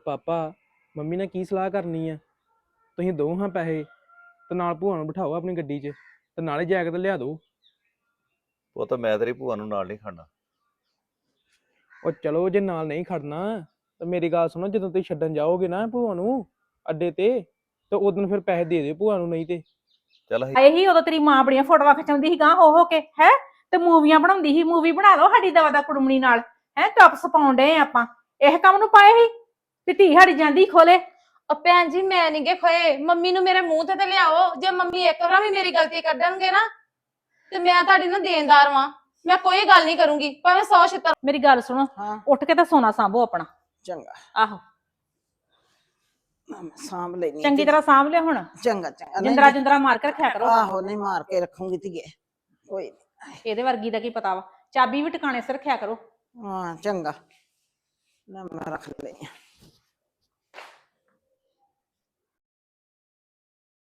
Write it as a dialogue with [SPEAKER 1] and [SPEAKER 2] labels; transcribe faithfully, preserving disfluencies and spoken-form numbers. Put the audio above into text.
[SPEAKER 1] Papa mummy ने की सलाह करनी है तुसीं दो हाँ पैसे ते नाल भूआ नूं बिठाओ अपनी गड्डी 'च ते नाले जैकेट लिया दो।
[SPEAKER 2] ਉਹ ਤਾਂ ਮੈਂ ਤੇਰੀ ਭੂਆ ਨੂੰ ਨਾਲ ਨਹੀਂ ਖੜਨਾ।
[SPEAKER 1] ਉਹ ਚਲੋ ਜੇ ਨਾਲ ਨਹੀਂ ਖੜਨਾ ਤਾਂ ਮੇਰੀ ਗੱਲ ਸੁਣੋ, ਜਦੋਂ ਤੁਸੀਂ ਛੱਡਣ ਜਾਓਗੇ ਨਾ ਭੂਆ ਨੂੰ ਅੱਡੇ ਤੇ ਤੇ ਉਦੋਂ ਫਿਰ ਪੈਸੇ ਦੇ ਦਿਓ ਭੂਆ ਨੂੰ, ਨਹੀਂ ਤੇ
[SPEAKER 2] ਚੱਲ
[SPEAKER 3] ਇਹੀ ਉਦੋਂ ਤੇਰੀ ਮਾਂ ਬੜੀਆਂ ਫੋਟੋਆਂ ਖਿਚਾਉਂਦੀ ਸੀ ਗਾਂ ਹੋ ਹੋ ਕੇ ਹੈ ਤੇ ਮੂਵੀਆਂ ਬਣਾਉਂਦੀ ਸੀ। ਮੂਵੀ ਬਣਾ ਲਓ ਸਾਡੀ ਦਵਾ ਦਾ ਕੁੜਮਣੀ ਨਾਲ ਹੈ, ਟੌਪਸ ਪਾਉਣ ਡਏ ਆਪਾਂ ਇਹ ਕੰਮ ਨੂੰ ਪਾਏ ਸੀ ਵੀ ਧੀ ਸਾਡੀ ਜਾਂਦੀ ਖੋਲੇ।
[SPEAKER 4] ਉਹ ਭੈਣ ਜੀ ਮੈਂ ਨੀ ਗੇ ਖੋਏ, ਮੰਮੀ ਨੂੰ ਮੇਰੇ ਮੂੰਹ ਤੇ ਤੇ ਲਿਆਓ। ਜੇ ਮੰਮੀ ਇੱਕ ਵਾਰ ਵੀ ਮੇਰੀ ਗਲਤੀ ਕੱਢਣਗੇ ਨਾ ਤੇ ਮੈਂ ਤੁਹਾਡੀ ਨਾ ਦੇਣਦਾਰ ਵਾਂ, ਮੈਂ ਕੋਈ ਗੱਲ ਨਹੀਂ ਕਰੂੰਗੀ ਭਾਵੇਂ ਸੌ ਛਿੱਤਰ।
[SPEAKER 3] ਮੇਰੀ ਗੱਲ ਸੁਣੋ,
[SPEAKER 5] ਹਾਂ
[SPEAKER 3] ਉੱਠ ਕੇ ਤਾਂ ਸੋਨਾ ਸਾਂਭੋ ਆਪਣਾ।
[SPEAKER 5] ਚੰਗਾ
[SPEAKER 3] ਆਹੋ
[SPEAKER 5] ਸਾਂਭ ਲੈਣੀ
[SPEAKER 3] ਚੰਗੀ ਤਰ੍ਹਾਂ ਸਾਂਭ ਲਿਓ ਹੁਣ,
[SPEAKER 5] ਚੰਗਾ ਚੰਗਾ
[SPEAKER 3] ਜਿੰਦਰਾ ਜਿੰਦਰਾ ਮਾਰ ਕੇ ਰੱਖਿਆ ਕਰੋ।
[SPEAKER 5] ਆਹੋ ਨਹੀਂ ਮਾਰ ਕੇ ਰੱਖੂੰਗੀ ਧੀਏ, ਕੋਈ
[SPEAKER 3] ਇਹਦੇ ਵਰਗੀ ਦਾ ਕੀ ਪਤਾ ਵਾ, ਚਾਬੀ ਵੀ ਟਿਕਾਣੇ ਸਿਰ ਰੱਖਿਆ ਕਰੋ।
[SPEAKER 5] ਹਾਂ ਚੰਗਾ ਨਾ ਮੈਂ ਰੱਖ ਲਈ।